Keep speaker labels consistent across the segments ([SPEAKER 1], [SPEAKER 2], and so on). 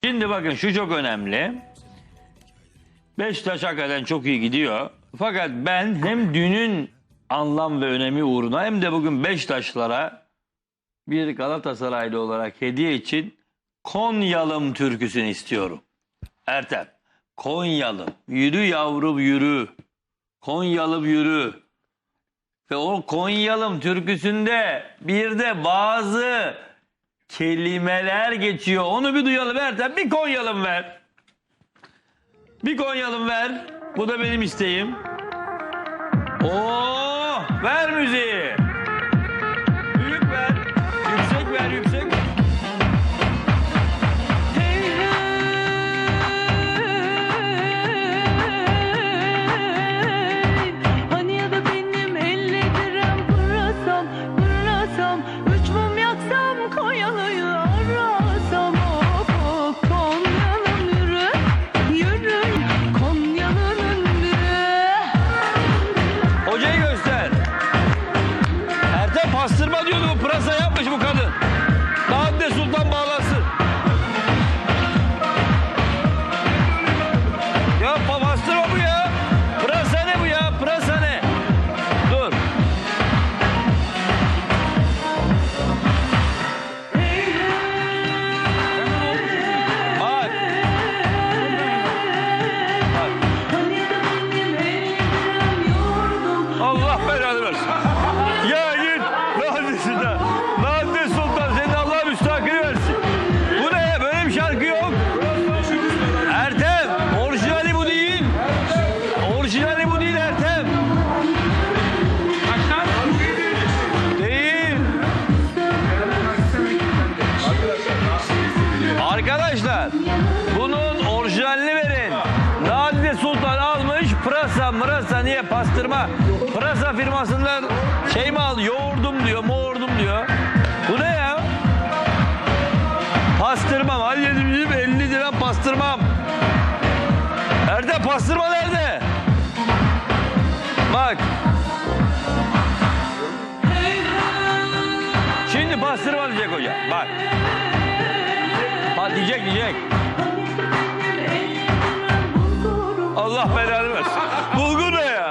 [SPEAKER 1] Şimdi bakın şu çok önemli. Beşiktaş hakikaten çok iyi gidiyor. Fakat ben hem dünün anlam ve önemi uğruna hem de bugün Beşiktaşlara bir Galatasaraylı olarak hediye için Konyalım türküsünü istiyorum. Ertem. Konyalım. Yürü yavrum yürü. Konyalım yürü. Ve o Konyalım türküsünde bir de bazı kelimeler geçiyor. Onu bir duyalım Ertem. Bir Konyalım ver. Bir Konyalım ver. Bu da benim isteğim. Oo, ver müziği. Büyük ver. Yüksek ver, yüksek.
[SPEAKER 2] Hani ya da benim 50 liram pırasam, pırasam, 3 mum yaksam, Konyalı'yı arasam. Hop hop Konyalım yürü, yürü, Konyalı'nın yürü.
[SPEAKER 1] Hocayı göster. Ertem pastırma diyordu, bu pırasa yapmış bu kadın. Nadide Sultan bağlasın. Ya pastırma bu ya. Pırasa ne bu ya? Pırasa ne? Dur. Bak.
[SPEAKER 2] Hani ya da benim 50 liram yordum.
[SPEAKER 1] Allah belanı versin. Ya git. Nadide Sultan senin Allah müstakil versin. Bu ne ya? Böyle bir şarkı yok. Ertem. Orijinali bu değil. Orijinali bu değil Ertem. Değil. Arkadaşlar bunun orijinalini verin. Nadide Sultan almış pırasa mırasa niye pastırma pırasa firmasından şey mi aldı yoğurdum diyor moğurdum diyor. Bu ne ya? Pastırmam halledeyim 50 lira pastırmam. Nerede pastırma nerede? Bak. Şimdi pastırma diyecek hocam bak. Bak diyecek. Allah belanı versin. Bulgur ne ya?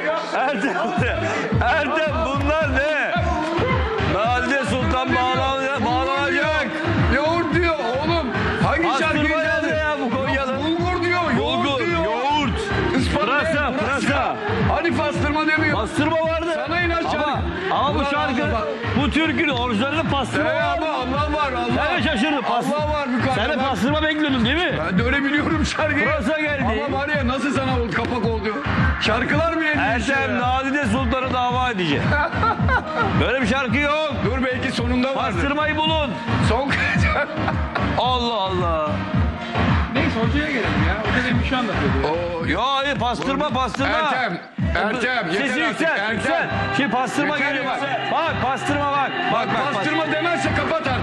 [SPEAKER 1] Ertem bunlar ne? Nadide Sultan bağlanacak.
[SPEAKER 3] Yoğurt diyor oğlum. Hangi şarkıyı
[SPEAKER 1] Pastırma nerede
[SPEAKER 3] çaldı?
[SPEAKER 1] ya bu Konyalı?
[SPEAKER 3] Bulgur diyor, yoğurt
[SPEAKER 1] Bulgur,
[SPEAKER 3] diyor.
[SPEAKER 1] yoğurt. Pırasa.
[SPEAKER 3] Hani pastırma demiyor.
[SPEAKER 1] Pastırma vardı.
[SPEAKER 3] Sana inat şarkı.
[SPEAKER 1] Ama bu
[SPEAKER 3] Ulan
[SPEAKER 1] şarkı,
[SPEAKER 3] Allah.
[SPEAKER 1] bu türkünün orijinalinde pastırma
[SPEAKER 3] Ama
[SPEAKER 1] vardı.
[SPEAKER 3] Allah var Allah.
[SPEAKER 1] Sen de şaşırdın.
[SPEAKER 3] Allah var
[SPEAKER 1] Sen de
[SPEAKER 3] yukarıda.
[SPEAKER 1] pastırma bekliyordun değil mi?
[SPEAKER 3] Ben de öyle biliyorum şarkıyı.
[SPEAKER 1] Pırasa geldi.
[SPEAKER 3] Ama var ya nasıl sana oldu, kapak oldu. Şarkılar bile değişiyor
[SPEAKER 1] Ertem
[SPEAKER 3] ya.
[SPEAKER 1] Nadide Sultan'ı dava edecek. Böyle bir şarkı yok.
[SPEAKER 3] Dur belki sonunda vardır.
[SPEAKER 1] Pastırmayı bulun.
[SPEAKER 3] Son
[SPEAKER 1] Allah Allah.
[SPEAKER 4] Neyse hocaya gelelim ya. Hoca demin bir şey anlatıyordu ya.
[SPEAKER 1] Ya hayır pastırma.
[SPEAKER 3] Ertem yeter
[SPEAKER 1] Sesi
[SPEAKER 3] artık.
[SPEAKER 1] yüksel.
[SPEAKER 3] Ertem.
[SPEAKER 1] Şimdi pastırma
[SPEAKER 3] Yeter
[SPEAKER 1] geliyor.
[SPEAKER 3] ya.
[SPEAKER 1] Bak pastırma bak. Bak
[SPEAKER 3] Pastırma demezse kapat